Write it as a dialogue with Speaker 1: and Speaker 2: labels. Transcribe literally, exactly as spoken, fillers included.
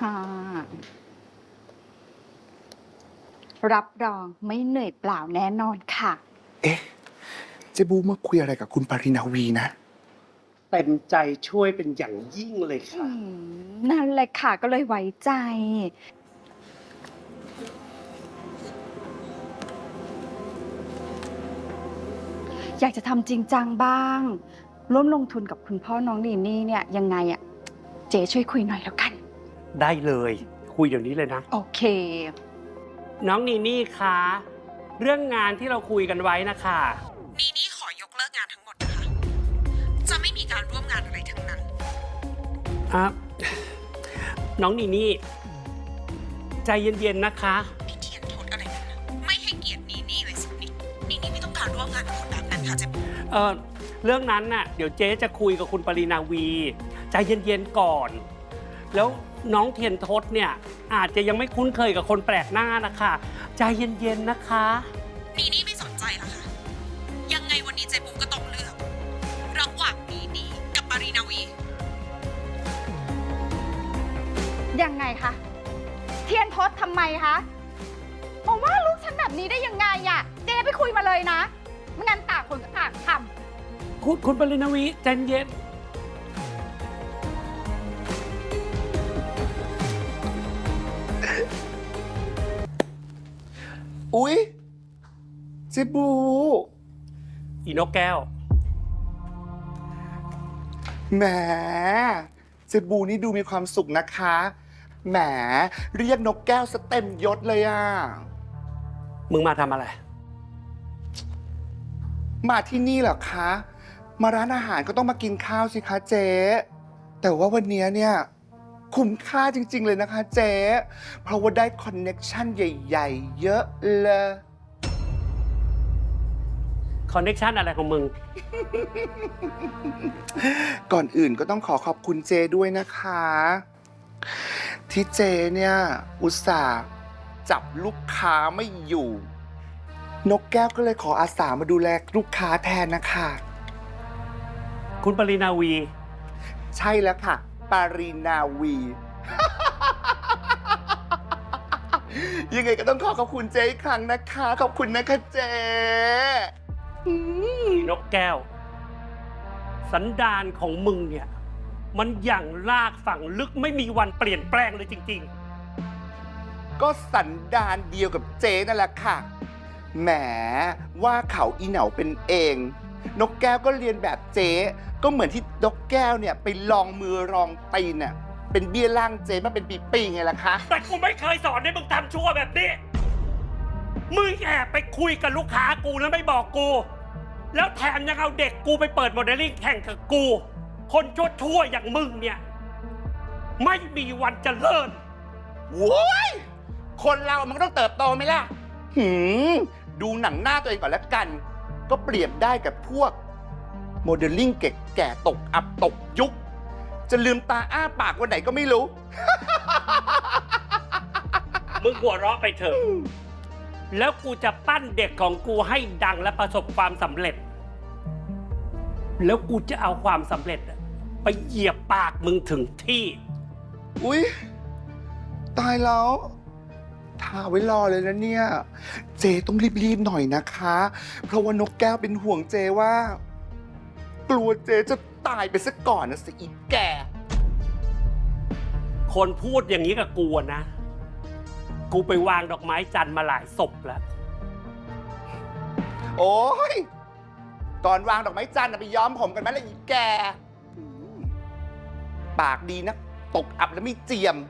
Speaker 1: ค่ะรับรองไม่เหนื่อยเปล่าแน่นอนค่ะ
Speaker 2: เอ๊ะเจบูมาคุยอะไรกับคุณปรินาวีนะ
Speaker 3: เต็มใจช่วยเป็นอย่างยิ่งเลยค่ะ
Speaker 1: นั่นแหละค่ะก็เลยไว้ใจ อยากจะทำจริงจังบ้าง ร่วมลงทุนกับคุณพ่อน้องนีนี่เนี่ยยังไงอะเจ๊ช่วยคุยหน่อยแล้วกัน
Speaker 3: ได้เลยคุยเดี๋ยวนี้เลยนะ
Speaker 1: โอเค
Speaker 3: น้องนีนี่คะเรื่องงานที่เราคุยกันไว้นะคะ
Speaker 4: นีนี่ขอยกเลิกงานทั้งหมดนะคะ จะไม่มีการร่วมงานอะไรทั้งนั้น
Speaker 3: อ่ะน้องนีนี่ใจเย็นๆนะคะ
Speaker 4: พี่เทียนโทษอะไรกันนะไม่ให้เกียรตินีนี่เลยสินีนีนี่ไม่ต้องการร่วมงานกับคนแบบนั้นค่ะเจ๊
Speaker 3: เออเรื่องนั้นน่ะเดี๋ยวเจ๊จะคุยกับคุณปรินาวีใจเย็นๆก่อน แล้วน้องเทียนทศเนี่ยอาจจะยังไม่คุ้นเคยกับคนแปลกหน้านะคะใจเย็นๆนะคะ
Speaker 4: นีนี่ไม่สนใจละค่ะ ยังไงวันนี้เจ๊ปูก็ต้องเลือกระหว่างนีนี่กับปารีนาวี
Speaker 1: ยังไงคะ เทียนทศทำไมคะบอกว่าลูกฉันแบบนี้ได้ยังไงอะเจ๊ไปคุยมาเลยนะไม่งั้นต่างคนก็ต่างทำ
Speaker 3: คุณคุณปรินาวีใจเย็น
Speaker 2: อุ๊ยเจบู
Speaker 3: อีนกแก้ว
Speaker 2: แหมเจบูนี่ดูมีความสุขนะคะแหมเรียกนกแก้วสเต็มยศเลยอ่ะ
Speaker 3: มึงมาทำอะไร
Speaker 2: มาที่นี่เหรอคะ มาร้านอาหารก็ต้องมากินข้าวสิคะเจ๊แต่ว่าวันนี้เนี่ยคุ้มค่าจริงๆเลยนะคะเจ๊เพราะว่าได้คอนเน็กชันใหญ่ๆ เยอะเลย
Speaker 3: คอนเนคชันอะไรของมึง
Speaker 2: ก่อนอื่นก็ต้องขอขอบคุณเจด้วยนะคะ ที่เจเนี่ยอุตส่าห์จับลูกค้าไม่อยู่ นกแก้วก็เลยขออาสามาดูแลลูกค้าแทนนะคะ
Speaker 3: คุณปรินาวี
Speaker 2: ใช่แล้วค่ะ ปารีนาวี ยังไงก็ต้องขอขอบคุณเจอีกครั้งนะคะ ขอบคุณนะคะเจอืม
Speaker 3: นกแก้ว สันดานของมึงเนี่ย มันอย่างลากฝังลึกไม่มีวันเปลี่ยนแปลงเลยจริง
Speaker 2: ก็สันดานเดียวกับเจนั่นแหละค่ะ แหมว่าเขาอีเหนาเป็นเอง นกแก้วก็เรียนแบบเจ๊ก็เหมือนที่นกแก้วเนี่ยไปลองมือลองตีนน่ะเป็นเบี้ยล่างเจ๊มาเป็นปีๆไงล่ะคะ
Speaker 3: ๆ แต่กูไม่เคยสอนให้มึงทำชั่วแบบนี้ มึงแอบไปคุยกับลูกค้ากูแล้วไม่บอกกู แล้วแถมยังเอาเด็กกูไปเปิดโมเดลลิ่งแข่งกับกู คนชั่วๆอย่างมึงเนี่ย ไม่มีวันเจริญ
Speaker 2: โว้ยคนเรามันก็ต้องเติบโตไหมล่ะ หืม ดูหนังหน้าตัวเองก่อนแล้วกัน ก็เปรียบได้กับพวกโมเดลลิ่งเก่แก่ตกอับตกยุค จะลืมตาอ้าปากวันไหนก็ไม่รู้
Speaker 3: มึงหัวเราะไปเถอะ แล้วกูจะปั้นเด็กของกูให้ดังและประสบความสำเร็จ แล้วกูจะเอาความสำเร็จอะไปเหยียบปากมึงถึงที่
Speaker 2: อุ๊ย ตายแล้วทาไว้รอเลยนะเนี่ย เจต้องรีบๆหน่อยนะคะ เพราะว่านกแก้วเป็นห่วงเจว่า กลัวเจจะตายไปซะก่อนนะสิอีกแก่
Speaker 3: คนพูดอย่างนี้กับกูอะนะ กูไปวางดอกไม้จันทร์มาหลายศพแล้ว
Speaker 2: โอ้ย ก่อนวางดอกไม้จันทร์น่ะไปย้อมผมกันไหมล่ะอีแก ปากดีนะ ตกอับแล้วไม่เจียม